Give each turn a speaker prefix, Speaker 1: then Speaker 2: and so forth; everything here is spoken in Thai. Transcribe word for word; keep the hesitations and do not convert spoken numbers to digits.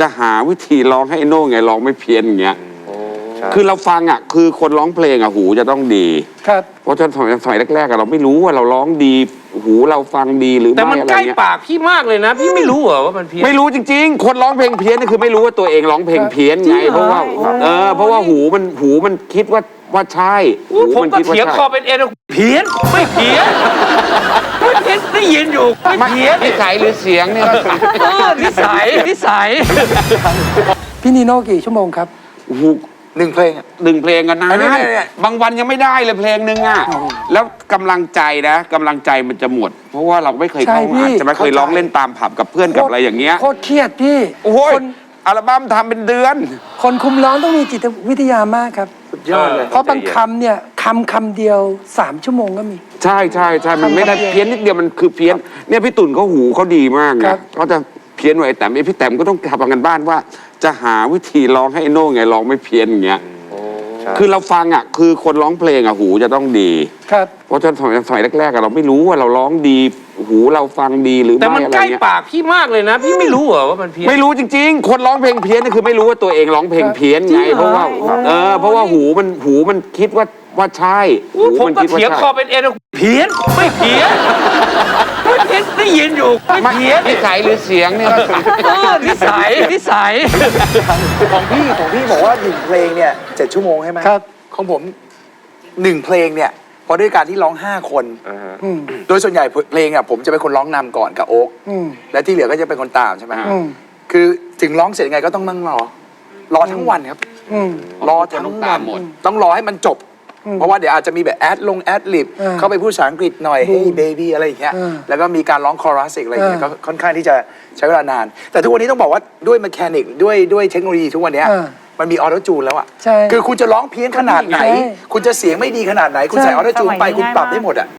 Speaker 1: จะหาวิธีร้องให้โน่ไงร้องไม่เพี้ยนอย่างเงี้ยคือเราฟังอ่ะคือคนร้องเพลงอ่ะหูจะต้องดี
Speaker 2: ครับ
Speaker 1: เพราะฉะนั้นสมัยแรกๆเราไม่รู้ว่าเราร้องดีหูเราฟังดีหรือไม่
Speaker 3: แต่มันใกล้ปากพี่มากเลยนะพี่ไม่รู้เหรอว่ามันเพี้ยน
Speaker 1: ไม่รู้จริงๆคนร้องเพลงเพี้ยนนี่คือไม่รู้ว่าตัวเองร้องเพลงเพี้ยนไงเพราะว่าเออเพราะว่าหูมันหูมันคิดว่าว่าใช่
Speaker 3: ผมก็เถียงคอเป็นเอ็นเพี้ยนไม่เพี้ยนไม่เพี้ยนได้ยินอยู่ไม่เพี้ยน
Speaker 1: นิสัยหรือเสียงเนี่ย
Speaker 3: เออนิสัยนิสัย
Speaker 2: พี่นีโน่กี่ชั่วโมงครับ
Speaker 4: หนึ่งเพลง
Speaker 1: หนึ่งเพลงกันนะบางวันยังไม่ได้เลยเพลงหนึ่งอ่ะแล้วกำลังใจนะกำลังใจมันจะหมด เพราะว่าเราไม่เคยเข้าอัดจะไม่เคยร้องเล่นตามผับกับเพื่อนกับอะไรอย่างเงี้ย
Speaker 2: โคตรเครียดพี่
Speaker 1: โอ้ยอัลบั้มทำเป็นเดือน
Speaker 2: คนคุมร้องต้องมีจิตวิทยามากครับ
Speaker 4: สุดยอดเลย
Speaker 2: เพราะบางคำเนี่ยคำคำเดียวสามชั่วโมงก็มี
Speaker 1: ใช่ใช่ใช่มันไม่ได้เพี้ยนนิดเดียวมันคือเพี้ยนเนี่ยพี่ตุ่นเขาหูเขาดีมากนะเขาจะเพี้ยนไว้แต่พี่แต้มก็ต้องทำกันบ้านว่าจะหาวิธีร้องให้โน่ไงร้องไม่เพี้ยนอย่างเงี้ยคือเราฟังอ่ะคือคนร้องเพลงอ่ะหูจะต้องดี
Speaker 2: ครับ
Speaker 1: เพราะฉะนั้นสมัยสมัยแรกๆเราไม่รู้ว่าเราร้องดีหูเราฟังดีหรือไม่
Speaker 3: แต่มันใกล้ปากพี่มากเลยนะพี่ไม่รู้เหรอว่ามันเพี้ยน
Speaker 1: ไม่รู้จริงๆคนร้องเพลงเพี้ยนนี่คือไม่รู้ว่าตัวเองร้องเพลงเพี้ยนไงเพราะว่าเออเพราะว่าหูมันหูมันคิดว่าว่าใช่
Speaker 3: ผมก็เถียงคอเป็นเอ็นเพี้ยนไม่เพี้ยนไม่เพี้ยนได้ยินอยู่ไม่เพี้ยน
Speaker 1: นิสัยหรือเสียงเนี่ย
Speaker 3: เออนิสัยนิสัย
Speaker 4: ของพี่ของพี่บอกว่าหนึ่งเพลงเนี่ยเจ็ดชั่วโมงใช่ไหม
Speaker 2: ครับ
Speaker 4: ของผมหนึ่งเพลงเนี่ยพอด้วยการที่ร้องห้าคนโดยส่วนใหญ่เพลงอ่ะผมจะเป็นคนร้องนำก่อนกับโอ๊กและที่เหลือก็จะเป็นคนตามใช่ไหมคือถึงร้องเสร็จยังไงก็ต้องนั่งรอรอทั้งวันครับรอทั้งวันต้องรอให้มันจบเพราะว่าเดี๋ยวอาจจะมีแบบแอดลงแอดลิบเข้าไปพูดภาษาอังกฤษหน่อย hey baby อะไรอย่างเงี้ยแล้วก็มีการร้องคอรัสอะไรอย่างเงี้ยก็ค่อนข้างที่จะใช้เวลานานแต่ทุกวันนี้ต้องบอกว่าด้วยแมคานิกด้วยด้วยเทคโนโลยีทุกวันนี้มันมีออโต้จูนแล้วอ่ะคือคุณจะร้องเพี้ยนขนาดไหนคุณจะเสียงไม่ดีขนาดไหนคุณใส่ออโต้จูนไปคุณปรับได้หมดอ่ะ